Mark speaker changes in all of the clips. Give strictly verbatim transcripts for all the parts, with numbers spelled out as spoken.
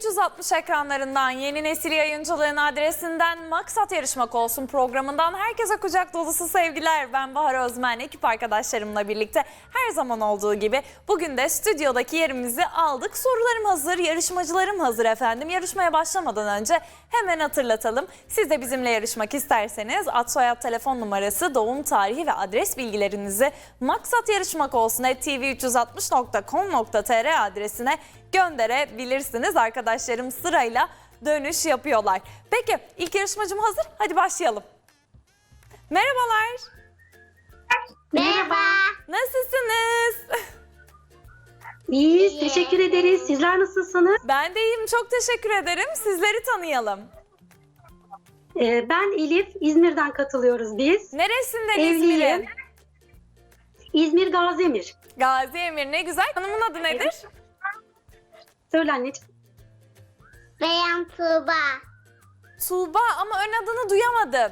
Speaker 1: üç yüz altmış ekranlarından, yeni nesil yayıncılığın adresinden, Maksat Yarışmak Olsun programından herkese kucak dolusu sevgiler. Ben Bahar Özmen, ekip arkadaşlarımla birlikte her zaman olduğu gibi bugün de stüdyodaki yerimizi aldık. Sorularım hazır, yarışmacılarım hazır efendim. Yarışmaya başlamadan önce hemen hatırlatalım. Siz de bizimle yarışmak isterseniz ad soyad telefon numarası, doğum tarihi ve adres bilgilerinizi Maksat Yarışmak Olsun at t v üç yüz altmış nokta com nokta t r adresine gönderebilirsiniz. Arkadaşlarım sırayla dönüş yapıyorlar. Peki ilk yarışmacım hazır. Hadi başlayalım. Merhabalar.
Speaker 2: Merhaba.
Speaker 1: Nasılsınız?
Speaker 2: İyiyiz,
Speaker 3: İyi.
Speaker 2: teşekkür ederiz. Sizler nasılsınız?
Speaker 1: Ben de iyiyim. Çok teşekkür ederim. Sizleri tanıyalım.
Speaker 2: Ee, ben Elif, İzmir'den katılıyoruz biz.
Speaker 1: Neresinden
Speaker 2: Evliyim.
Speaker 1: İzmir'in?
Speaker 2: İzmir Gazimir.
Speaker 1: Gazi Emir, ne güzel. Hanımın adı nedir?
Speaker 2: Söyle anneciğim.
Speaker 3: Beyan Tuğba.
Speaker 1: Tuğba, ama ön adını duyamadım.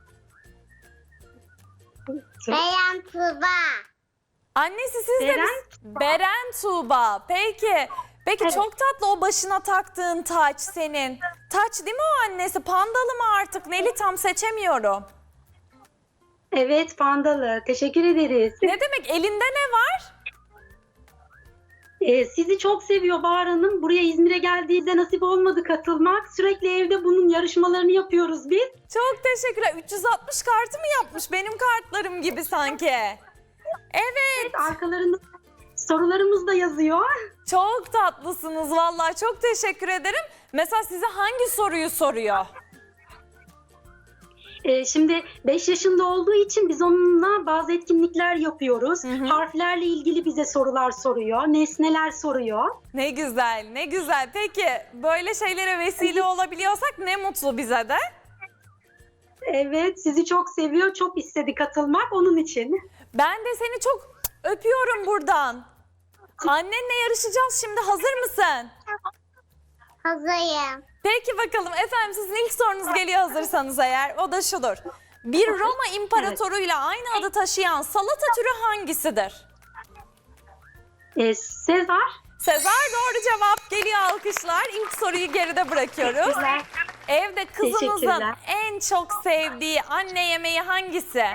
Speaker 2: Söyle.
Speaker 3: Beyan Tuğba.
Speaker 1: Annesi siz de
Speaker 2: Beren
Speaker 1: biz- Beren Tuğba. Peki. Peki
Speaker 2: Evet.
Speaker 1: çok tatlı o başına taktığın taç senin. Taç değil mi o annesi? Pandalı mı artık? Neli tam seçemiyorum.
Speaker 2: Evet, Pandalı. Teşekkür ederiz.
Speaker 1: Ne demek? Elinde ne var?
Speaker 2: Ee, sizi çok seviyor Bahar Hanım. Buraya İzmir'e geldiğinde nasip olmadı katılmak. Sürekli evde bunun yarışmalarını yapıyoruz biz.
Speaker 1: Çok teşekkürler. üç yüz altmış kartı mı yapmış? Benim kartlarım gibi sanki. Evet.
Speaker 2: Arkalarında sorularımız da yazıyor.
Speaker 1: Çok tatlısınız vallahi. Çok teşekkür ederim. Mesela size hangi soruyu soruyor?
Speaker 2: Ee, şimdi beş yaşında olduğu için biz onunla bazı etkinlikler yapıyoruz.
Speaker 1: Hı hı.
Speaker 2: Harflerle ilgili bize sorular soruyor, nesneler soruyor.
Speaker 1: Ne güzel, ne güzel. Peki böyle şeylere vesile olabiliyorsak ne mutlu bize de.
Speaker 2: Evet, sizi çok seviyor, çok istedi katılmak onun için.
Speaker 1: Ben de seni çok öpüyorum buradan. Annenle yarışacağız şimdi. Hazır mısın?
Speaker 3: Hazırım.
Speaker 1: Peki bakalım efendim, sizin ilk sorunuz geliyor hazırsanız eğer. O da şudur. Bir Roma imparatoruyla aynı adı taşıyan salata türü hangisidir?
Speaker 2: Ee, Sezar.
Speaker 1: Sezar doğru cevap, geliyor alkışlar. İlk soruyu geride bırakıyoruz.
Speaker 2: Teşekkürler.
Speaker 1: Evde kızınızın
Speaker 2: Teşekkürler.
Speaker 1: en çok sevdiği anne yemeği hangisi?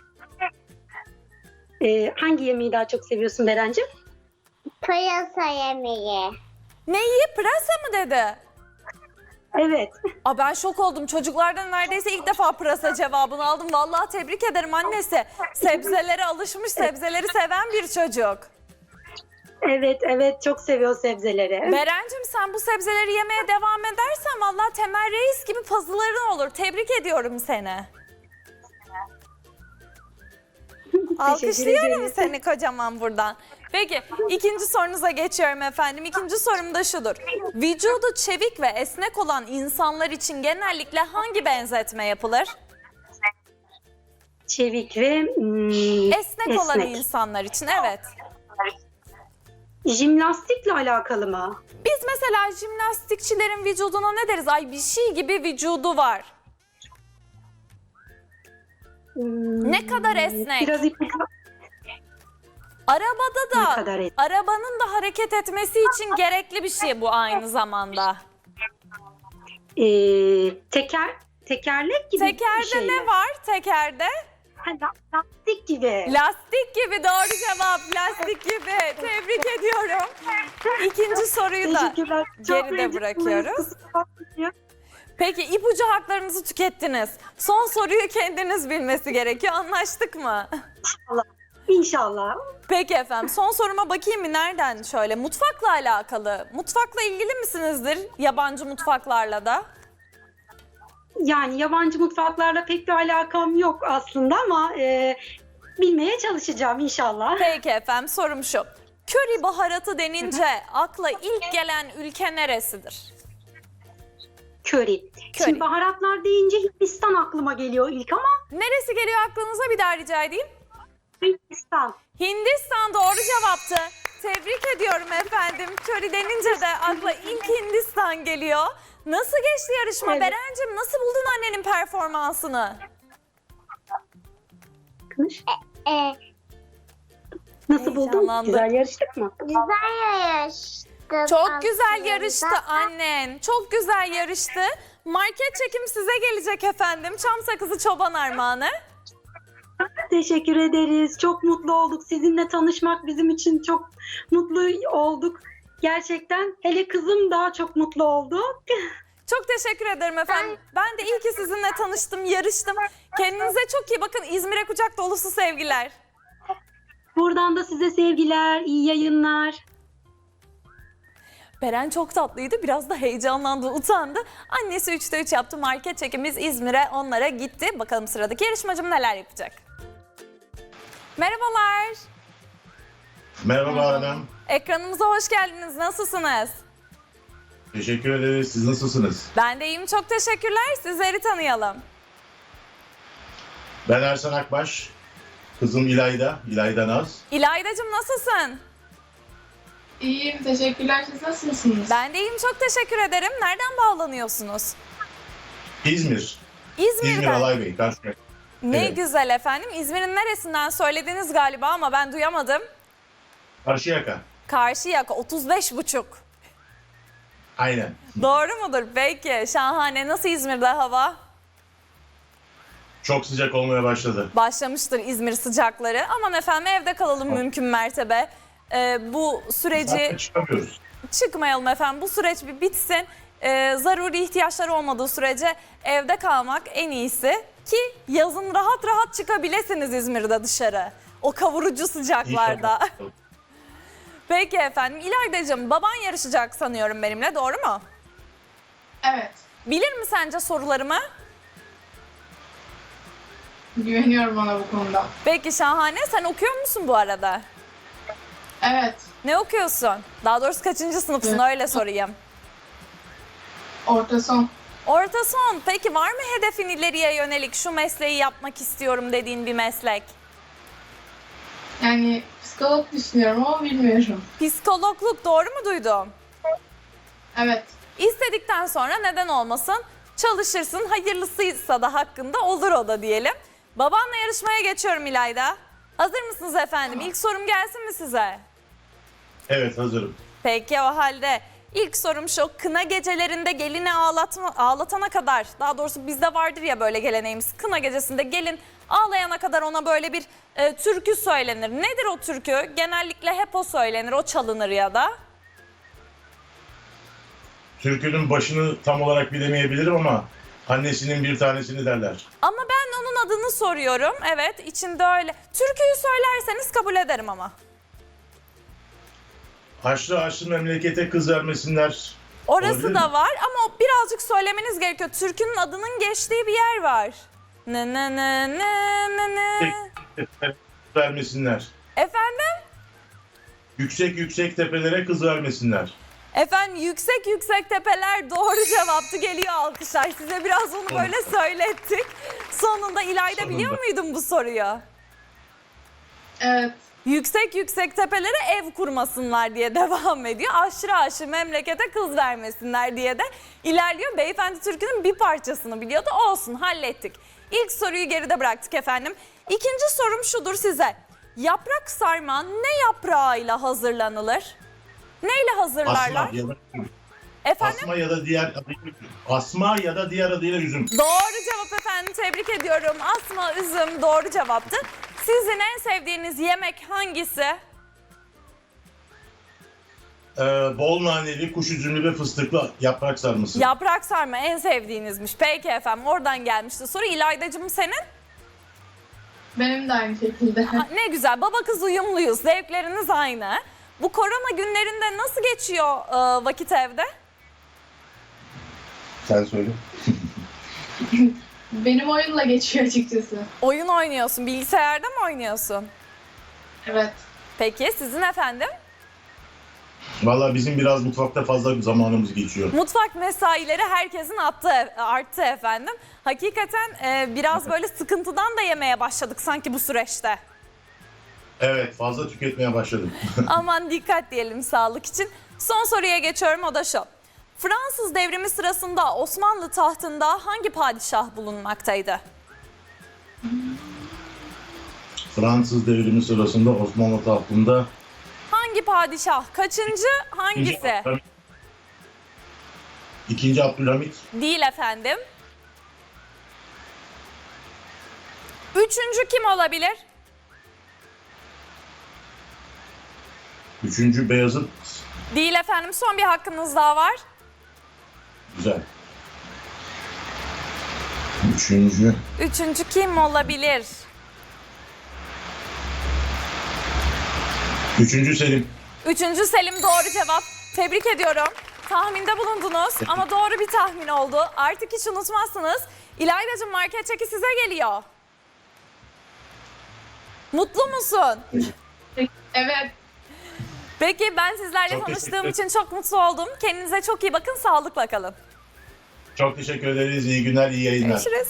Speaker 2: Ee, hangi yemeği daha çok seviyorsun Berencim?
Speaker 3: Pırasa yemeği.
Speaker 1: Neyi? Pırasa mı dedi?
Speaker 2: Evet.
Speaker 1: Aa, ben şok oldum. Çocuklardan neredeyse ilk defa pırasa cevabını aldım. Vallahi tebrik ederim annesi. Sebzelere alışmış, sebzeleri seven bir çocuk.
Speaker 2: Evet, evet çok seviyor sebzeleri.
Speaker 1: Berencim, sen bu sebzeleri yemeye devam edersen vallahi Temel Reis gibi pazıların olur. Tebrik ediyorum seni. Alkışlıyorum
Speaker 2: ederiz.
Speaker 1: seni kocaman buradan. Peki ikinci sorunuza geçiyorum efendim. İkinci sorum da şudur. Vücudu çevik ve esnek olan insanlar için genellikle hangi benzetme yapılır?
Speaker 2: Çevik ve hmm,
Speaker 1: Esnek, olan insanlar için, evet.
Speaker 2: Jimnastikle alakalı mı?
Speaker 1: Biz mesela jimnastikçilerin vücuduna ne deriz? Ay bir şey gibi vücudu var.
Speaker 2: Hmm,
Speaker 1: Ne kadar esnek.
Speaker 2: Biraz ipucu.
Speaker 1: Arabada
Speaker 2: Ne
Speaker 1: da,
Speaker 2: kadar esnek.
Speaker 1: arabanın da hareket etmesi için gerekli bir şey bu aynı zamanda.
Speaker 2: Ee, teker, tekerlek gibi
Speaker 1: Tekerde
Speaker 2: bir şey
Speaker 1: ne
Speaker 2: mi?
Speaker 1: var tekerde?
Speaker 2: Ha, la- lastik gibi.
Speaker 1: Lastik gibi, doğru cevap, lastik gibi. Tebrik ediyorum. İkinci soruyu da
Speaker 2: Teşekkürler. Çok
Speaker 1: geride
Speaker 2: heyecanlıyız,
Speaker 1: bırakıyoruz.
Speaker 2: kusura bakmayın.
Speaker 1: Peki ipucu haklarınızı tükettiniz. Son soruyu kendiniz bilmesi gerekiyor. Anlaştık mı?
Speaker 2: İnşallah. İnşallah.
Speaker 1: Peki efendim, son soruma bakayım mı? Nereden şöyle? Mutfakla alakalı. Mutfakla ilgili misinizdir? Yabancı mutfaklarla da.
Speaker 2: Yani yabancı mutfaklarla pek bir alakam yok aslında ama e, bilmeye çalışacağım inşallah.
Speaker 1: Peki efendim, sorum şu. Köri baharatı denince akla ilk gelen ülke neresidir?
Speaker 2: Köri.
Speaker 1: Köri.
Speaker 2: Şimdi baharatlar deyince Hindistan aklıma geliyor ilk ama
Speaker 1: Neresi geliyor aklınıza, bir daha rica edeyim?
Speaker 2: Hindistan.
Speaker 1: Hindistan doğru cevaptı. Tebrik ediyorum efendim. Köri denince de akla ilk Hindistan geliyor. Nasıl geçti yarışma?
Speaker 2: Evet.
Speaker 1: Berencim, nasıl buldun annenin performansını?
Speaker 3: Ee,
Speaker 2: Nasıl buldun?
Speaker 1: Heyecanlandım.
Speaker 2: Güzel yarıştık mı?
Speaker 3: güzel yarıştık.
Speaker 1: Çok güzel
Speaker 3: aslında.
Speaker 1: yarıştı annen. Çok güzel yarıştı. Market çekim size gelecek efendim. Çam sakızı çoban armağanı.
Speaker 2: Teşekkür ederiz. Çok mutlu olduk. Sizinle tanışmak bizim için çok mutlu olduk. Gerçekten hele kızım daha çok mutlu oldu.
Speaker 1: Çok teşekkür ederim efendim. Ben de iyi ki sizinle tanıştım, yarıştım. Kendinize çok iyi bakın. İzmir'e kucak dolusu sevgiler.
Speaker 2: Buradan da size sevgiler, iyi yayınlar.
Speaker 1: Beren çok tatlıydı. Biraz da heyecanlandı, utandı. Annesi üçte üç yaptı. Market çekimiz İzmir'e onlara gitti. Bakalım sıradaki yarışmacım neler yapacak. Merhabalar.
Speaker 4: Merhaba hanım.
Speaker 1: Ekranımıza hoş geldiniz. Nasılsınız?
Speaker 4: Teşekkür ederiz. Siz nasılsınız?
Speaker 1: Ben de iyiyim. Çok teşekkürler. Sizleri tanıyalım.
Speaker 4: Ben Ersan Akbaş. Kızım İlayda. İlayda Naz.
Speaker 1: İlaydacığım nasılsın?
Speaker 5: İyiyim, teşekkürler. Siz nasılsınız?
Speaker 1: Ben de iyiyim. Çok teşekkür ederim. Nereden bağlanıyorsunuz?
Speaker 4: İzmir.
Speaker 1: İzmir'den.
Speaker 4: İzmir Alaybey. Karşıyaka.
Speaker 1: Ne
Speaker 4: Evet.
Speaker 1: güzel efendim. İzmir'in neresinden söylediniz galiba ama ben duyamadım.
Speaker 4: Karşıyaka.
Speaker 1: Karşıyaka otuz beş buçuk.
Speaker 4: Aynen.
Speaker 1: Doğru mudur? Peki. Şahane. Nasıl İzmir'de hava?
Speaker 4: Çok sıcak olmaya başladı.
Speaker 1: Başlamıştır İzmir sıcakları. Aman efendim evde kalalım mümkün mertebe. Ee, bu süreci
Speaker 4: Zaten çıkamıyoruz.
Speaker 1: çıkmayalım efendim. Bu süreç bir bitsin. Ee, zaruri ihtiyaçları olmadığı sürece evde kalmak en iyisi. Ki yazın rahat rahat çıkabilirsiniz İzmir'de dışarı. O kavurucu sıcaklarda.
Speaker 4: İnşallah.
Speaker 1: Peki efendim. İlaydacığım baban yarışacak sanıyorum benimle, doğru mu?
Speaker 5: Evet,
Speaker 1: Bilir mi sence sorularımı?
Speaker 5: güveniyorum ona bu konuda.
Speaker 1: Peki şahane. Sen okuyor musun bu arada?
Speaker 5: Evet,
Speaker 1: Ne okuyorsun? Daha doğrusu kaçıncı sınıfsın,
Speaker 5: Evet.
Speaker 1: öyle sorayım.
Speaker 5: orta son.
Speaker 1: Orta son. Peki var mı hedefin ileriye yönelik şu mesleği yapmak istiyorum dediğin bir meslek?
Speaker 5: Yani psikolog düşünüyorum ama bilmiyorum.
Speaker 1: Psikologluk, doğru mu duydum?
Speaker 5: Evet,
Speaker 1: İstedikten sonra neden olmasın? Çalışırsın, hayırlısıysa da hakkında olur o da diyelim. Babanla yarışmaya geçiyorum İlayda. Hazır mısınız efendim? İlk sorum gelsin mi size?
Speaker 4: Evet, hazırım.
Speaker 1: Peki o halde ilk sorum şu: kına gecelerinde gelini ağlatma, ağlatana kadar, daha doğrusu bizde vardır ya böyle geleneğimiz, kına gecesinde gelin ağlayana kadar ona böyle bir e, türkü söylenir. Nedir o türkü? Genellikle hep o söylenir, o çalınır ya da.
Speaker 4: Türkünün başını tam olarak bilemeyebilirim ama annesinin bir tanesini derler.
Speaker 1: Ama ben onun adını soruyorum. Evet, içinde öyle. Türküyü söylerseniz kabul ederim ama.
Speaker 4: Haçlı haçlı memlekete kız vermesinler.
Speaker 1: Orası
Speaker 4: Olabilir
Speaker 1: da
Speaker 4: mi?
Speaker 1: var ama o birazcık söylemeniz gerekiyor. Türkünün adının geçtiği bir yer var. Ne ne ne ne ne ne.
Speaker 4: Kız vermesinler.
Speaker 1: Efendim?
Speaker 4: Yüksek yüksek tepelere kız vermesinler.
Speaker 1: Efendim yüksek yüksek tepeler doğru cevaptı, geliyor alkışlar. Size biraz onu böyle söylettik. Sonunda İlayda
Speaker 4: Sonunda.
Speaker 1: biliyor muydun bu soruyu?
Speaker 5: evet.
Speaker 1: Yüksek yüksek tepelere ev kurmasınlar diye devam ediyor. Aşırı aşırı memlekete kız vermesinler diye de ilerliyor. Beyefendi türkünün bir parçasını biliyordu. Olsun, hallettik. İlk soruyu geride bıraktık efendim. İkinci sorum şudur size. Yaprak sarma ne yaprağıyla hazırlanılır? Neyle hazırlarlar?
Speaker 4: Asma ya da,
Speaker 1: Efendim?
Speaker 4: asma ya da diğer asma ya da diğer adıyla üzüm.
Speaker 1: Doğru cevap efendim, tebrik ediyorum. Asma, üzüm doğru cevaptı. Sizin en sevdiğiniz yemek hangisi?
Speaker 4: Ee, bol naneli, kuş üzümlü ve fıstıklı yaprak sarması.
Speaker 1: Yaprak sarma en sevdiğinizmiş. Peki efendim, oradan gelmişti soru. İlaydacığım senin?
Speaker 5: Benim de aynı şekilde.
Speaker 1: Ha, ne güzel, baba kız uyumluyuz. Zevkleriniz aynı. Bu korona günlerinde nasıl geçiyor e, vakit evde?
Speaker 4: Sen söyle.
Speaker 5: Benim oyunla geçiyor açıkçası.
Speaker 1: Oyun oynuyorsun. Bilgisayarda mı oynuyorsun?
Speaker 5: Evet,
Speaker 1: Peki sizin efendim?
Speaker 4: Valla bizim biraz mutfakta fazla zamanımız geçiyor.
Speaker 1: Mutfak mesaileri herkesin attı, arttı efendim. Hakikaten e, biraz böyle sıkıntıdan da yemeye başladık sanki bu süreçte.
Speaker 4: Evet, fazla tüketmeye başladım.
Speaker 1: Aman dikkat diyelim sağlık için. Son soruya geçiyorum, o da şu. Fransız devrimi sırasında Osmanlı tahtında hangi padişah bulunmaktaydı?
Speaker 4: Fransız devrimi sırasında Osmanlı tahtında
Speaker 1: Hangi padişah kaçıncı, hangisi?
Speaker 4: Abdülhamit. İkinci Abdülhamit.
Speaker 1: Değil efendim. Üçüncü kim olabilir?
Speaker 4: Üçüncü Beyazıt.
Speaker 1: Değil efendim. Son bir hakkınız daha var.
Speaker 4: Güzel. Üçüncü.
Speaker 1: Üçüncü kim olabilir?
Speaker 4: Üçüncü Selim.
Speaker 1: Üçüncü Selim doğru cevap. Tebrik ediyorum. Tahminde bulundunuz ama doğru bir tahmin oldu. Artık hiç unutmazsınız. İlaydacığım, market çeki size geliyor. Mutlu musun?
Speaker 5: Evet.
Speaker 1: Peki, ben sizlerle
Speaker 4: Çok
Speaker 1: tanıştığım
Speaker 4: teşekkür
Speaker 1: için çok mutlu oldum. Kendinize çok iyi bakın, sağlıkla kalın.
Speaker 4: Çok teşekkür ederiz. İyi günler, iyi yayınlar.
Speaker 1: Görüşürüz.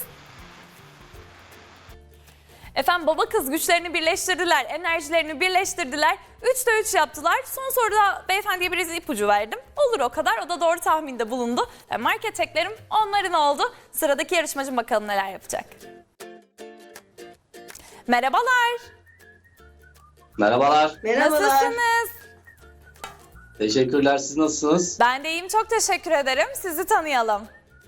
Speaker 1: Efendim, baba kız güçlerini birleştirdiler, enerjilerini birleştirdiler. Üçte üç yaptılar. Son soruda beyefendiye biraz ipucu verdim. Olur o kadar, o da doğru tahminde bulundu. Ve market teklerim onların oldu. Sıradaki yarışmacım bakalım neler yapacak. Merhabalar.
Speaker 6: Merhabalar.
Speaker 1: Nasılsınız?
Speaker 6: Teşekkürler. Siz nasılsınız?
Speaker 1: Ben de iyiyim, çok teşekkür ederim. Sizi tanıyalım.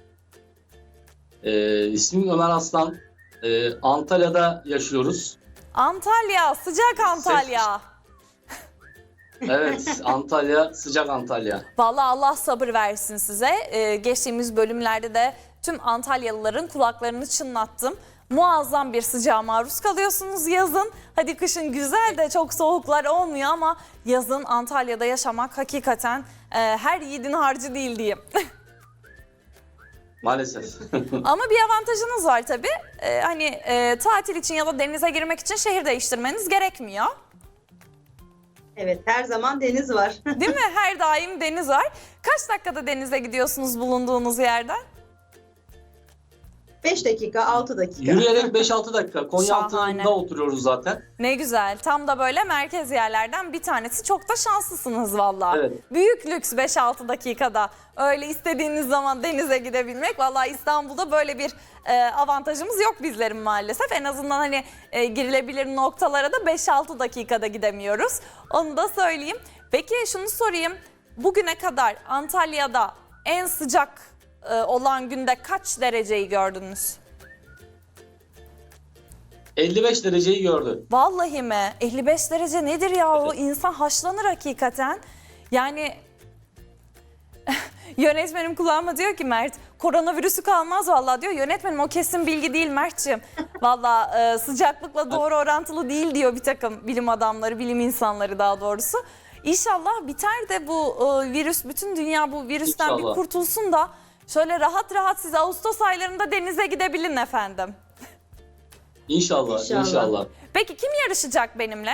Speaker 6: Ee, ismim Ömer Aslan. Ee, Antalya'da yaşıyoruz.
Speaker 1: Antalya, sıcak Antalya.
Speaker 6: Evet, Antalya, sıcak Antalya.
Speaker 1: Vallahi Allah sabır versin size. Ee, geçtiğimiz bölümlerde de tüm Antalyalıların kulaklarını çınlattım. Muazzam bir sıcağa maruz kalıyorsunuz yazın. Hadi kışın güzel de çok soğuklar olmuyor ama yazın Antalya'da yaşamak hakikaten e, her yiğidin harcı değil diyeyim.
Speaker 6: Maalesef.
Speaker 1: Ama bir avantajınız var tabii. Ee, hani e, tatil için ya da denize girmek için şehir değiştirmeniz gerekmiyor.
Speaker 7: Evet, her zaman deniz var.
Speaker 1: Değil mi? Her daim deniz var. Kaç dakikada denize gidiyorsunuz bulunduğunuz yerden?
Speaker 7: beş dakika, altı dakika.
Speaker 6: Yürüyerek beş altı dakika.
Speaker 1: Şahane.
Speaker 6: Konyaaltı'nda oturuyoruz zaten.
Speaker 1: Ne güzel. Tam da böyle merkez yerlerden bir tanesi. Çok da şanslısınız vallahi.
Speaker 6: Evet.
Speaker 1: Büyük lüks beş altı dakikada. Öyle istediğiniz zaman denize gidebilmek. Vallahi İstanbul'da böyle bir e, avantajımız yok bizlerin maalesef. En azından hani e, girilebilir noktalara da beş altı dakikada gidemiyoruz. Onu da söyleyeyim. Peki şunu sorayım. Bugüne kadar Antalya'da en sıcak e, olan günde kaç dereceyi gördünüz?
Speaker 6: elli beş dereceyi gördü.
Speaker 1: Vallahi mi? elli beş derece nedir ya? O insan haşlanır hakikaten. Yani yönetmenim kulağıma diyor ki Mert, koronavirüsü kalmaz vallahi diyor. Yönetmenim o kesin bilgi değil Mert'ciğim. Vallahi e, sıcaklıkla doğru orantılı değil diyor bir takım bilim adamları, bilim insanları daha doğrusu. İnşallah biter de bu e, virüs, bütün dünya bu virüsten
Speaker 6: İnşallah.
Speaker 1: bir kurtulsun da şöyle rahat rahat siz Ağustos aylarında denize gidebilin efendim.
Speaker 6: İnşallah,
Speaker 7: İnşallah.
Speaker 6: inşallah.
Speaker 1: Peki kim yarışacak benimle?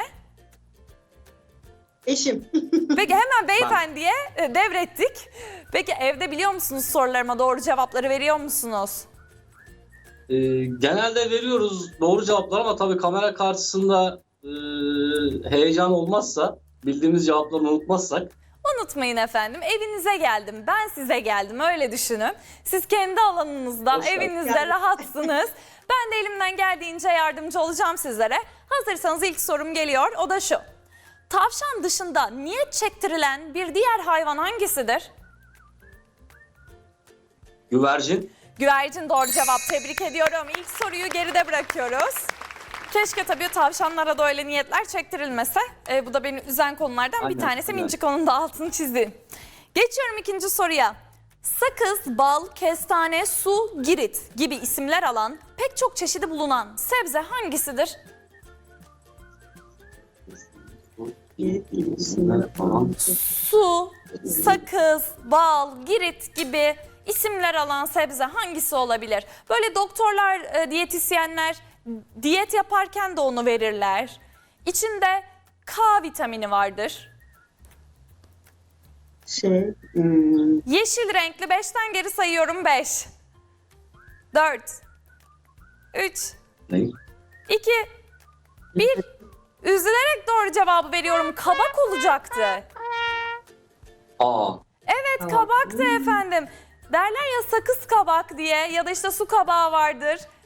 Speaker 7: Eşim.
Speaker 1: Peki hemen beyefendiye e, devrettik. Peki evde biliyor musunuz sorularıma doğru cevapları veriyor musunuz?
Speaker 6: Ee, genelde veriyoruz doğru cevaplar ama tabii kamera karşısında e, heyecan olmazsa, bildiğimiz cevapları unutmazsak.
Speaker 1: Unutmayın efendim, evinize geldim, ben size geldim, öyle düşünün. Siz kendi alanınızda,
Speaker 6: Hoş geldin.
Speaker 1: evinizde
Speaker 7: Yani.
Speaker 1: rahatsınız. Ben de elimden geldiğince yardımcı olacağım sizlere. Hazırsanız ilk sorum geliyor, o da şu. Tavşan dışında niyet çektirilen bir diğer hayvan hangisidir?
Speaker 6: Güvercin.
Speaker 1: Güvercin doğru cevap, tebrik ediyorum. İlk soruyu geride bırakıyoruz. Keşke tabii tavşanlara da öyle niyetler çektirilmese. Ee, bu da beni üzen konulardan bir
Speaker 6: Aynen,
Speaker 1: tanesi.
Speaker 6: aynen.
Speaker 1: Minicik onun da altını çizdi. Geçiyorum ikinci soruya. Sakız, bal, kestane, su, girit gibi isimler alan pek çok çeşidi bulunan sebze hangisidir? Su, sakız, bal, girit gibi isimler alan sebze hangisi olabilir? Böyle doktorlar, e, diyetisyenler diyet yaparken de onu verirler. İçinde K vitamini vardır.
Speaker 7: Şey, hmm,
Speaker 1: Yeşil renkli, beşten geri sayıyorum. beş, dört, üç,
Speaker 6: Ne?
Speaker 1: iki, bir. Üzülerek doğru cevabı veriyorum. Kabak olacaktı.
Speaker 6: Aa,
Speaker 1: Evet, kabaktı efendim. Derler ya sakız kabak diye ya da işte su kabağı vardır.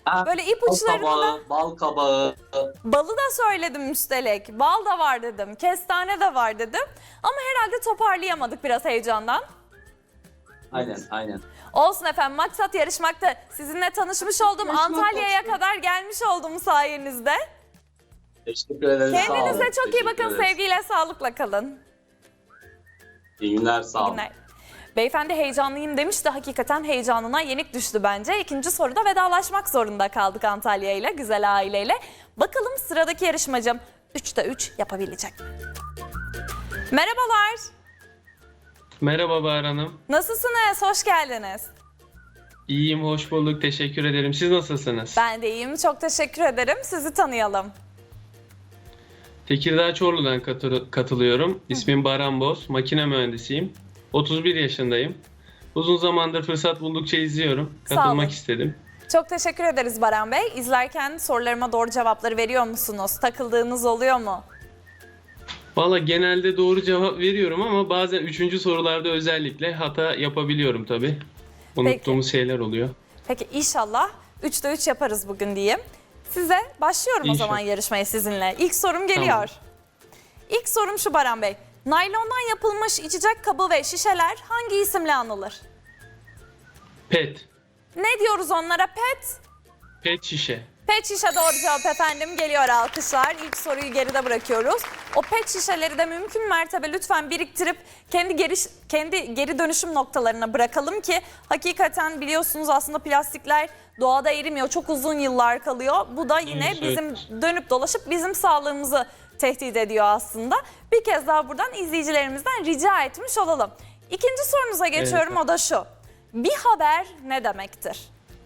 Speaker 6: Ha,
Speaker 1: Böyle
Speaker 6: Bal
Speaker 1: ipuçlarını da,
Speaker 6: kabağı, bal kabağı.
Speaker 1: balı da söyledim üstelik. Bal da var dedim, kestane de var dedim. Ama herhalde toparlayamadık biraz heyecandan.
Speaker 6: Aynen, aynen.
Speaker 1: Olsun efendim, maksat yarışmakta. Sizinle tanışmış oldum.
Speaker 7: Yarışmak
Speaker 1: Antalya'ya
Speaker 7: olsun.
Speaker 1: kadar gelmiş oldum sayenizde.
Speaker 6: Teşekkür ederim. sağ olun.
Speaker 1: Kendinize çok iyi
Speaker 6: Teşekkür
Speaker 1: bakın.
Speaker 6: ederiz.
Speaker 1: Sevgiyle, sağlıkla kalın.
Speaker 6: İyi günler, sağ
Speaker 1: İyi
Speaker 6: olun.
Speaker 1: günler. Beyefendi heyecanlıyım demiş de hakikaten heyecanına yenik düştü bence. İkinci soruda vedalaşmak zorunda kaldık Antalya ile, güzel aileyle. Bakalım sıradaki yarışmacım üçte üç yapabilecek mi? Merhabalar.
Speaker 8: Merhaba Bahar Hanım.
Speaker 1: Nasılsınız? Hoş geldiniz.
Speaker 8: İyiyim, hoş bulduk. Teşekkür ederim. Siz nasılsınız?
Speaker 1: Ben de iyiyim. Çok teşekkür ederim. Sizi tanıyalım.
Speaker 8: Tekirdağ Çorlu'dan katı- katılıyorum. İsmim Baran Boz. Makine mühendisiyim. otuz bir yaşındayım. Uzun zamandır fırsat buldukça izliyorum.
Speaker 1: Sağ olun.
Speaker 8: Katılmak istedim.
Speaker 1: Çok teşekkür ederiz Baran Bey. İzlerken sorularıma doğru cevapları veriyor musunuz? Takıldığınız oluyor mu?
Speaker 8: Valla genelde doğru cevap veriyorum ama bazen üçüncü sorularda özellikle hata yapabiliyorum tabii. Unuttuğumuz şeyler oluyor.
Speaker 1: Peki inşallah üçte üç yaparız bugün diyeyim. Size başlıyorum o
Speaker 8: İnşallah.
Speaker 1: zaman yarışmaya sizinle. İlk sorum geliyor.
Speaker 8: Tamam.
Speaker 1: İlk sorum şu Baran Bey. Naylondan yapılmış içecek kabı ve şişeler hangi isimle anılır?
Speaker 8: Pet.
Speaker 1: Ne diyoruz onlara? Pet?
Speaker 8: Pet şişe.
Speaker 1: Pet şişe doğru cevap efendim. Geliyor alkışlar. İlk soruyu geride bırakıyoruz. O pet şişeleri de mümkün mertebe lütfen biriktirip kendi geri, kendi geri dönüşüm noktalarına bırakalım ki hakikaten biliyorsunuz aslında plastikler doğada erimiyor. Çok uzun yıllar kalıyor. Bu da yine
Speaker 8: Evet,
Speaker 1: bizim
Speaker 8: evet.
Speaker 1: dönüp dolaşıp bizim sağlığımızı tehdit ediyor aslında. Bir kez daha buradan izleyicilerimizden rica etmiş olalım. İkinci sorunuza geçiyorum,
Speaker 8: Evet.
Speaker 1: o da şu. Bir haber ne demektir?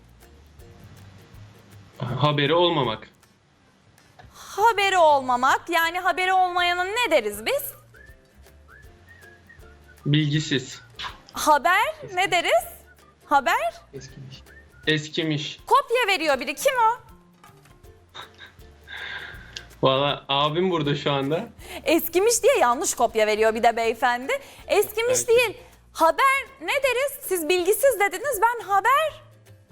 Speaker 8: Haberi olmamak.
Speaker 1: Haberi olmamak, yani haberi olmayana ne deriz biz?
Speaker 8: Bilgisiz.
Speaker 1: Haber ne deriz? Haber
Speaker 8: Eskimiş. Eskimiş.
Speaker 1: kopya veriyor biri. Kim o?
Speaker 8: Valla abim burada şu anda.
Speaker 1: Eskimiş diye yanlış kopya veriyor bir de beyefendi. Eskimiş
Speaker 8: Evet.
Speaker 1: değil. Haber ne deriz? Siz bilgisiz dediniz, ben haber.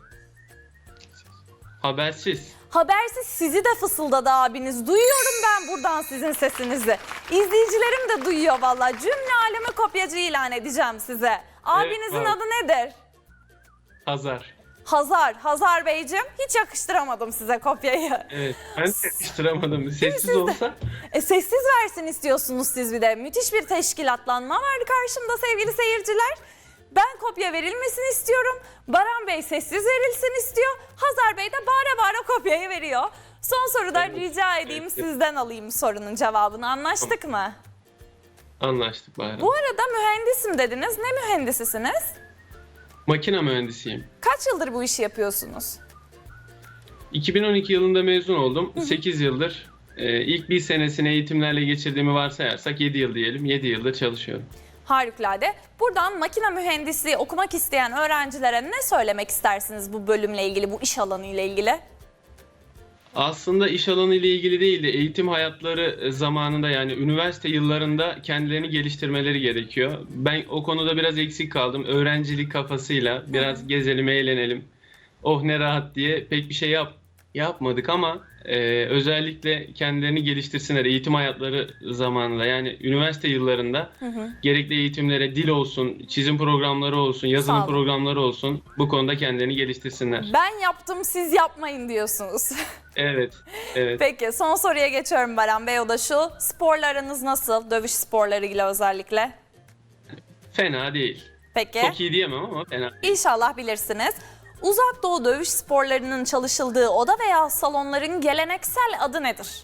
Speaker 8: Habersiz.
Speaker 1: Habersiz sizi de fısıldadı abiniz. Duyuyorum ben buradan sizin sesinizi. İzleyicilerim de duyuyor vallahi. Cümle aleme kopyacı ilan edeceğim size. Abinizin
Speaker 8: var.
Speaker 1: adı nedir?
Speaker 8: Hazar.
Speaker 1: Hazar. Hazar Beyciğim, hiç yakıştıramadım size kopyayı.
Speaker 8: Evet. Ben de yakıştıramadım. Sessiz olsa.
Speaker 1: E, sessiz versin istiyorsunuz siz bir de. Müthiş bir teşkilatlanma var karşımda sevgili seyirciler. Ben kopya verilmesini istiyorum. Baran Bey sessiz verilsin istiyor. Hazar Bey de bağıra bağıra kopyayı veriyor. Son soruda
Speaker 8: Evet,
Speaker 1: rica edeyim
Speaker 8: evet.
Speaker 1: sizden alayım sorunun cevabını. Anlaştık mı?
Speaker 8: Anlaştık Bahar Hanım.
Speaker 1: Bu arada mühendisim dediniz. Ne mühendisisiniz?
Speaker 8: Makine mühendisiyim.
Speaker 1: Kaç yıldır bu işi yapıyorsunuz?
Speaker 8: iki bin on iki yılında mezun oldum. sekiz yıldır. e, ilk bir senesini eğitimlerle geçirdiğimi varsayarsak yedi yıl diyelim. yedi yıldır çalışıyorum.
Speaker 1: Harikulade. Buradan makine mühendisliği okumak isteyen öğrencilere ne söylemek istersiniz bu bölümle ilgili, bu iş alanı ile ilgili?
Speaker 8: Aslında iş alanı ile ilgili değil de eğitim hayatları zamanında, yani üniversite yıllarında kendilerini geliştirmeleri gerekiyor. Ben o konuda biraz eksik kaldım. Öğrencilik kafasıyla biraz gezelim, eğlenelim, oh ne rahat diye pek bir şey yap yapmadık ama e, özellikle kendilerini geliştirsinler eğitim hayatları zamanında, yani üniversite yıllarında
Speaker 1: Hı hı.
Speaker 8: gerekli eğitimlere dil olsun, çizim programları olsun,
Speaker 1: Sağ
Speaker 8: yazılım
Speaker 1: olun.
Speaker 8: programları olsun, bu konuda kendilerini geliştirsinler.
Speaker 1: Ben yaptım, siz yapmayın diyorsunuz.
Speaker 8: Evet, evet.
Speaker 1: Peki son soruya geçiyorum Baran Bey, o da şu. Sporlarınız nasıl? Dövüş sporlarıyla özellikle.
Speaker 8: Fena değil.
Speaker 1: Peki.
Speaker 8: Çok iyi diyemem ama fena.
Speaker 1: İnşallah bilirsiniz. Uzak Doğu dövüş sporlarının çalışıldığı oda veya salonların geleneksel adı nedir?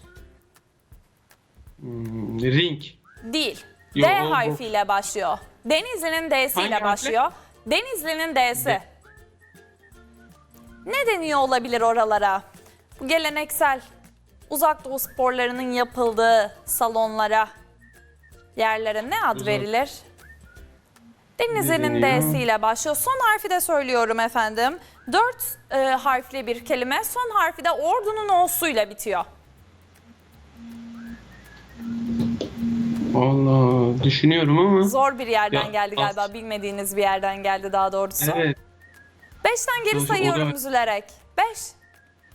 Speaker 8: Hmm, ring.
Speaker 1: Değil.
Speaker 8: Yo,
Speaker 1: D
Speaker 8: o-
Speaker 1: harfiyle başlıyor. Denizli'nin
Speaker 8: Hangi
Speaker 1: D'siyle
Speaker 8: harfle?
Speaker 1: başlıyor. Denizli'nin D'si.
Speaker 8: D.
Speaker 1: Ne deniyor olabilir oralara? Bu geleneksel Uzak Doğu sporlarının yapıldığı salonlara, yerlere ne ad
Speaker 8: Uzak-
Speaker 1: verilir? Denizli'nin
Speaker 8: deniyor?
Speaker 1: D'siyle başlıyor. Son harfi de söylüyorum efendim. Dört e, harfli bir kelime. Son harfi de ordunun O'suyla bitiyor.
Speaker 8: Allah, düşünüyorum ama.
Speaker 1: Zor bir yerden
Speaker 8: Ya,
Speaker 1: geldi galiba.
Speaker 8: as-
Speaker 1: Bilmediğiniz bir yerden geldi daha doğrusu.
Speaker 8: Evet.
Speaker 1: Beşten geri
Speaker 8: Doğru, o
Speaker 1: sayıyorum
Speaker 8: da-
Speaker 1: üzülerek. Beş,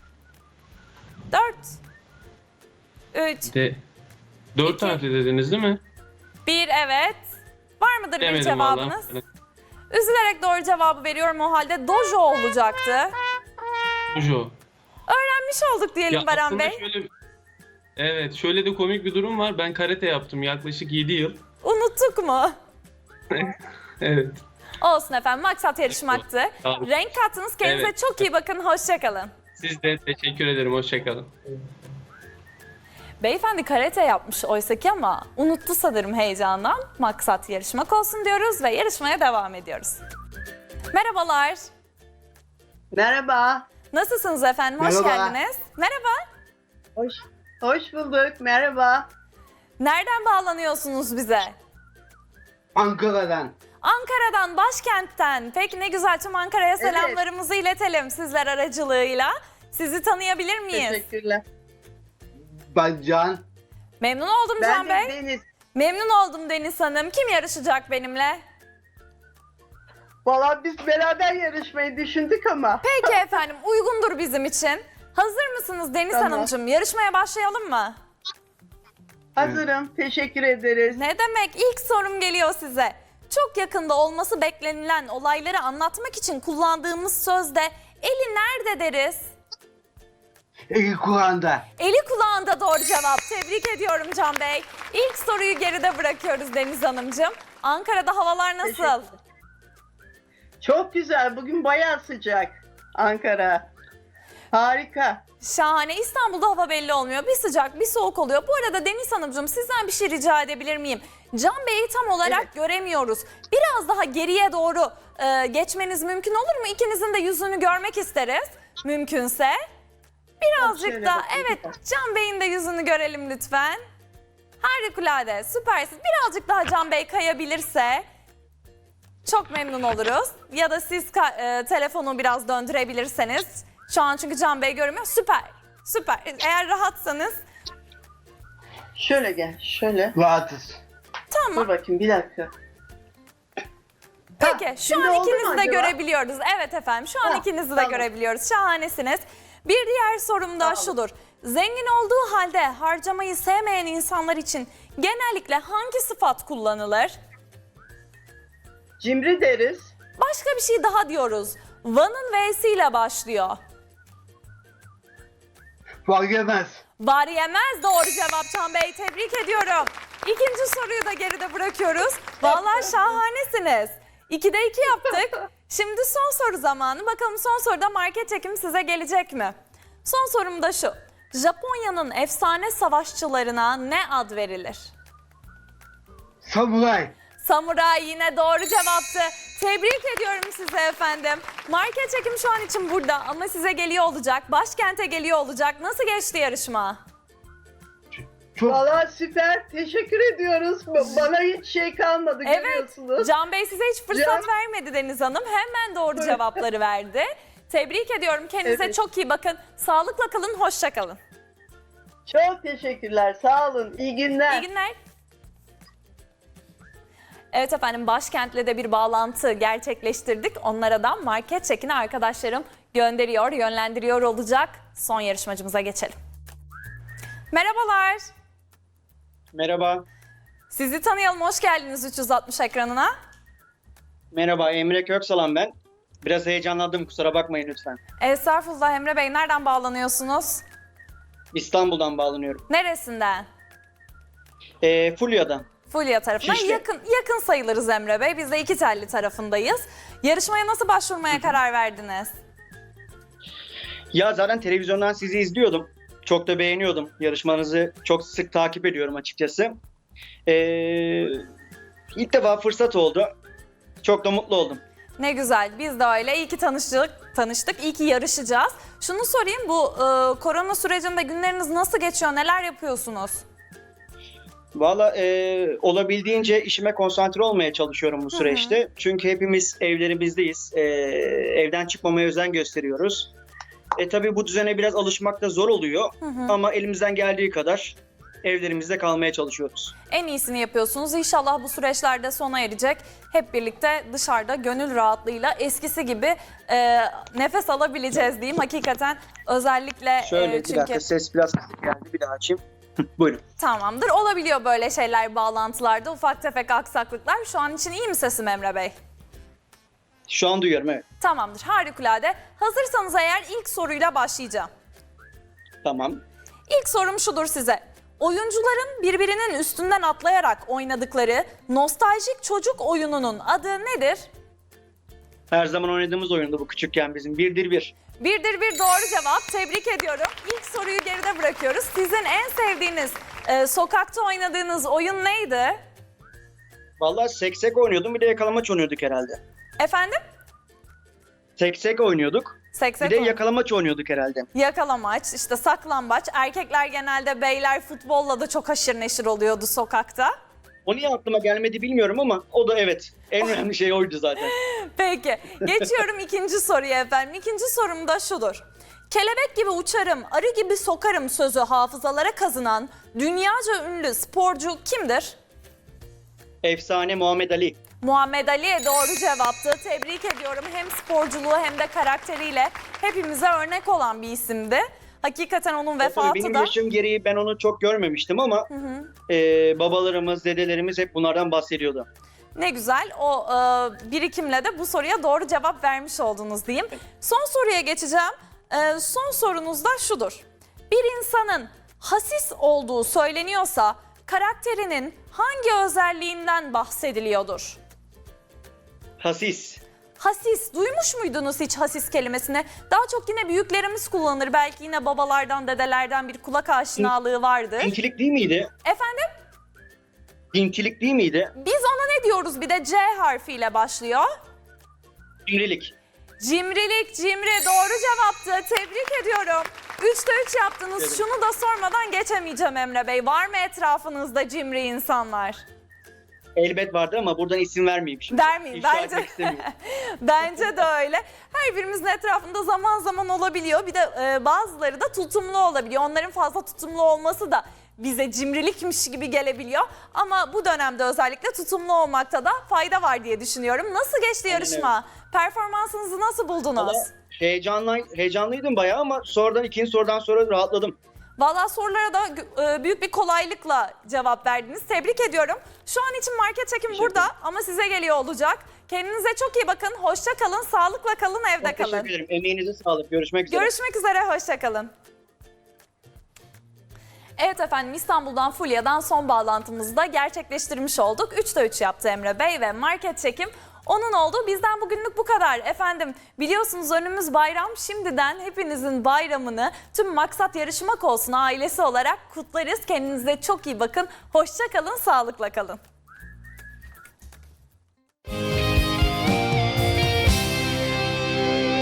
Speaker 1: dört, üç,
Speaker 8: De, dört
Speaker 1: İki.
Speaker 8: harfli dediniz değil mi?
Speaker 1: bir, evet. Var mıdır bir
Speaker 8: Demedim
Speaker 1: cevabınız?
Speaker 8: vallahi.
Speaker 1: Üzülerek doğru cevabı veriyorum o halde. Dojo olacaktı.
Speaker 8: Dojo.
Speaker 1: Öğrenmiş olduk diyelim
Speaker 8: Ya
Speaker 1: Baran
Speaker 8: aslında
Speaker 1: Bey.
Speaker 8: şöyle, evet, şöyle de komik bir durum var. Ben karate yaptım yaklaşık yedi yıl.
Speaker 1: Unuttuk mu?
Speaker 8: Evet.
Speaker 1: Olsun efendim, maksat yarışmaktı.
Speaker 8: Sağ olun.
Speaker 1: Renk kattınız, kendinize
Speaker 8: Evet.
Speaker 1: çok iyi bakın, hoşçakalın.
Speaker 8: Siz de teşekkür ederim. Hoşçakalın.
Speaker 1: Beyefendi karate yapmış oysaki ama unuttu sanırım heyecandan. Maksat yarışmak olsun diyoruz ve yarışmaya devam ediyoruz. Merhabalar.
Speaker 7: Merhaba.
Speaker 1: Nasılsınız efendim? Hoş
Speaker 9: Merhaba.
Speaker 1: geldiniz. Merhaba.
Speaker 7: Hoş, hoş bulduk. Merhaba.
Speaker 1: Nereden bağlanıyorsunuz bize?
Speaker 9: Ankara'dan.
Speaker 1: Ankara'dan, başkentten. Peki ne güzel, tüm Ankara'ya
Speaker 7: Evet.
Speaker 1: selamlarımızı iletelim sizler aracılığıyla. Sizi tanıyabilir miyiz?
Speaker 7: Teşekkürler.
Speaker 9: Ben Can.
Speaker 1: Memnun oldum
Speaker 7: Ben
Speaker 1: Can
Speaker 7: de
Speaker 1: Bey.
Speaker 7: Deniz.
Speaker 1: Memnun oldum Deniz Hanım. Kim yarışacak benimle?
Speaker 7: Valla biz beraber yarışmayı düşündük ama.
Speaker 1: Peki efendim, uygundur bizim için. Hazır mısınız Deniz
Speaker 7: Tamam.
Speaker 1: Hanımcığım? Yarışmaya başlayalım mı?
Speaker 7: Hazırım. Teşekkür ederiz.
Speaker 1: Ne demek? İlk sorum geliyor size. Çok yakında olması beklenilen olayları anlatmak için kullandığımız sözde eli nerede deriz?
Speaker 9: İlk Kur'an'da.
Speaker 1: Eli kulağında doğru cevap. Tebrik ediyorum Can Bey. İlk soruyu geride bırakıyoruz Deniz Hanımcığım. Ankara'da havalar nasıl?
Speaker 7: Teşekkür. Çok güzel. Bugün bayağı sıcak. Ankara. Harika.
Speaker 1: Şahane. İstanbul'da hava belli olmuyor. Bir sıcak, bir soğuk oluyor. Bu arada Deniz Hanımcığım, sizden bir şey rica edebilir miyim? Can Bey'i tam olarak
Speaker 7: Evet.
Speaker 1: göremiyoruz. Biraz daha geriye doğru e, geçmeniz mümkün olur mu? İkinizin de yüzünü görmek isteriz. Mümkünse. Birazcık
Speaker 7: Şöyle
Speaker 1: da,
Speaker 7: bakayım.
Speaker 1: evet, Can Bey'in de yüzünü görelim lütfen. Harikulade, süpersiniz. Birazcık daha Can Bey kayabilirse çok memnun oluruz. Ya da siz ka- e, telefonu biraz döndürebilirseniz. Şu an çünkü Can Bey görünmüyor. Süper, süper. Eğer rahatsanız
Speaker 7: Şöyle gel. Şöyle.
Speaker 9: Rahatız.
Speaker 1: tamam.
Speaker 7: Dur bakayım bir dakika.
Speaker 1: Peki, şu
Speaker 7: şimdi
Speaker 1: an
Speaker 7: oldu mu
Speaker 1: ikinizi de
Speaker 7: acaba?
Speaker 1: görebiliyoruz. Evet efendim, şu an
Speaker 7: Ha,
Speaker 1: ikinizi de
Speaker 7: tamam.
Speaker 1: görebiliyoruz. Şahanesiniz. Bir diğer sorum da
Speaker 7: Sağ olun.
Speaker 1: şudur. Zengin olduğu halde harcamayı sevmeyen insanlar için genellikle hangi sıfat kullanılır?
Speaker 7: Cimri deriz.
Speaker 1: Başka bir şey daha diyoruz. Van'ın V'siyle başlıyor.
Speaker 9: Fark etmez.
Speaker 1: Var yemez doğru cevap Can Bey. Tebrik ediyorum. İkinci soruyu da geride bırakıyoruz. Vallahi şahanesiniz. İkide iki yaptık. Şimdi son soru zamanı. Bakalım son soruda market çekimi size gelecek mi? Son sorum da şu. Japonya'nın efsane savaşçılarına ne ad verilir?
Speaker 9: Samuray.
Speaker 1: Samuray yine doğru cevaptı. Tebrik ediyorum size efendim. Market çekim şu an için burada ama size geliyor olacak. Başkente geliyor olacak. Nasıl geçti yarışma?
Speaker 9: Çok
Speaker 7: Valla süper. Teşekkür ediyoruz. Ba- Bana hiç şey kalmadı
Speaker 1: Evet.
Speaker 7: görüyorsunuz.
Speaker 1: Can Bey size hiç fırsat
Speaker 7: Can-
Speaker 1: vermedi Deniz Hanım. Hemen doğru cevapları verdi. Tebrik ediyorum. Kendinize
Speaker 7: Evet.
Speaker 1: çok iyi bakın. Sağlıkla kalın, hoşça kalın.
Speaker 7: Çok teşekkürler. Sağ olun. İyi günler.
Speaker 1: İyi günler. Evet efendim, başkentle de bir bağlantı gerçekleştirdik. Onlara da market çekini arkadaşlarım gönderiyor, yönlendiriyor olacak. Son yarışmacımıza geçelim. Merhabalar.
Speaker 10: Merhaba.
Speaker 1: Sizi tanıyalım. Hoş geldiniz üç yüz altmış ekranına.
Speaker 10: Merhaba, Emre Köksalan ben. Biraz heyecanlandım, kusura bakmayın lütfen.
Speaker 1: Estağfurullah Emre Bey. Nereden bağlanıyorsunuz?
Speaker 10: İstanbul'dan bağlanıyorum.
Speaker 1: Neresinden?
Speaker 10: Ee, Fulya'dan.
Speaker 1: Fulya tarafından
Speaker 10: Şişli.
Speaker 1: yakın yakın sayılırız Emre Bey. Biz de iki telli tarafındayız. Yarışmaya nasıl başvurmaya karar verdiniz?
Speaker 10: Ya zaten televizyondan sizi izliyordum. Çok da beğeniyordum. Yarışmanızı çok sık takip ediyorum açıkçası. Ee, ilk defa fırsat oldu. Çok da mutlu oldum.
Speaker 1: Ne güzel. Biz de öyle. İyi ki tanıştık. Tanıştık. İyi ki yarışacağız. Şunu sorayım. Bu e, korona sürecinde günleriniz nasıl geçiyor? Neler yapıyorsunuz?
Speaker 10: Valla e, olabildiğince işime konsantre olmaya çalışıyorum bu süreçte. Çünkü hepimiz evlerimizdeyiz. E, evden çıkmamaya özen gösteriyoruz. E tabii bu düzene biraz alışmak da zor oluyor.
Speaker 1: Hı hı.
Speaker 10: Ama elimizden geldiği kadar evlerimizde kalmaya çalışıyoruz.
Speaker 1: En iyisini yapıyorsunuz. İnşallah bu süreçlerde sona erecek. Hep birlikte dışarıda gönül rahatlığıyla eskisi gibi e, nefes alabileceğiz diyeyim. Hakikaten özellikle
Speaker 10: Şöyle
Speaker 1: e,
Speaker 10: bir
Speaker 1: çünkü
Speaker 10: dakika, ses biraz kısık geldi, bir daha açayım. Buyurun.
Speaker 1: tamamdır. Olabiliyor böyle şeyler bağlantılarda, ufak tefek aksaklıklar. Şu an için iyi mi sesim Emre Bey?
Speaker 10: Şu an duyuyorum, evet.
Speaker 1: Tamamdır. Harikulade. Hazırsanız eğer ilk soruyla başlayacağım.
Speaker 10: Tamam.
Speaker 1: İlk sorum şudur size. Oyuncuların birbirinin üstünden atlayarak oynadıkları nostaljik çocuk oyununun adı nedir?
Speaker 10: Her zaman oynadığımız oyundu bu küçükken bizim. Birdir bir.
Speaker 1: Birdir bir doğru cevap. Tebrik ediyorum. İlk soruyu geride bırakıyoruz. Sizin en sevdiğiniz e, sokakta oynadığınız oyun neydi?
Speaker 10: Vallahi seksek oynuyordum, bir de yakalamaç oynuyorduk herhalde.
Speaker 1: Efendim?
Speaker 10: Seksek oynuyorduk,
Speaker 1: Seksek
Speaker 10: bir de
Speaker 1: oyun.
Speaker 10: yakalamaç oynuyorduk herhalde.
Speaker 1: Yakalamaç, işte saklambaç. Erkekler genelde beyler futbolla da çok haşır neşir oluyordu sokakta.
Speaker 10: O niye aklıma gelmedi bilmiyorum ama o da evet. En önemli şey oydu zaten.
Speaker 1: Peki. Geçiyorum ikinci soruya efendim. İkinci sorum da şudur. Kelebek gibi uçarım, arı gibi sokarım sözü hafızalara kazınan dünyaca ünlü sporcu kimdir?
Speaker 10: Efsane Muhammed Ali.
Speaker 1: Muhammed Ali doğru cevaptı. Tebrik ediyorum. Hem sporculuğu hem de karakteriyle hepimize örnek olan bir isimdi. Hakikaten onun
Speaker 10: Tabii
Speaker 1: vefatı
Speaker 10: benim
Speaker 1: da...
Speaker 10: yaşım gereği ben onu çok görmemiştim ama
Speaker 1: Hı hı.
Speaker 10: e, babalarımız, dedelerimiz hep bunlardan bahsediyordu.
Speaker 1: Ne güzel. O e, birikimle de bu soruya doğru cevap vermiş oldunuz diyeyim. Son soruya geçeceğim. E, son sorunuz da şudur. Bir insanın hasis olduğu söyleniyorsa karakterinin hangi özelliğinden bahsediliyordur?
Speaker 10: Hasis.
Speaker 1: Hasis. Duymuş muydunuz hiç hasis kelimesini? Daha çok yine büyüklerimiz kullanır. Belki yine babalardan, dedelerden bir kulak aşinalığı vardır.
Speaker 10: Dinkilik değil miydi?
Speaker 1: Efendim?
Speaker 10: Dinkilik değil miydi?
Speaker 1: Biz ona ne diyoruz? Bir de C harfiyle başlıyor.
Speaker 10: Cimrilik.
Speaker 1: Cimrilik, cimri doğru cevaptı. Tebrik ediyorum. Üçte üç yaptınız.
Speaker 10: Evet.
Speaker 1: Şunu da sormadan geçemeyeceğim Emre Bey. Var mı etrafınızda cimri insanlar?
Speaker 10: Elbet vardı ama buradan isim vermeyeyim şimdi.
Speaker 1: Vermeyeyim
Speaker 10: İfşa
Speaker 1: bence.
Speaker 10: etmek istemiyorum.
Speaker 1: Bence de öyle. Her birimizin etrafında zaman zaman olabiliyor. Bir de e, bazıları da tutumlu olabiliyor. Onların fazla tutumlu olması da bize cimrilikmiş gibi gelebiliyor. Ama bu dönemde özellikle tutumlu olmakta da fayda var diye düşünüyorum. Nasıl geçti
Speaker 10: Aynen
Speaker 1: yarışma? Performansınızı nasıl buldunuz?
Speaker 10: Valla heyecanlı, heyecanlıydım bayağı ama sonradan ikinci sorudan sonra rahatladım.
Speaker 1: Valla sorulara da e, büyük bir kolaylıkla cevap verdiniz. Tebrik ediyorum. Şu an için market çekim
Speaker 10: Teşekkür
Speaker 1: burada ama size geliyor olacak. Kendinize çok iyi bakın. Hoşça kalın, sağlıkla kalın, evde
Speaker 10: Çok
Speaker 1: kalın.
Speaker 10: teşekkür ederim. Emeğinize sağlık. Görüşmek üzere.
Speaker 1: Görüşmek üzere, hoşça kalın. Evet efendim, İstanbul'dan Fulya'dan son bağlantımızı da gerçekleştirmiş olduk. üçte üç yaptı Emre Bey ve market çekim onun oldu. Bizden bugünlük bu kadar. Efendim biliyorsunuz önümüz bayram. Şimdiden hepinizin bayramını tüm Maksat Yarışmak Olsun ailesi olarak kutlarız. Kendinize çok iyi bakın. Hoşça kalın, sağlıkla kalın.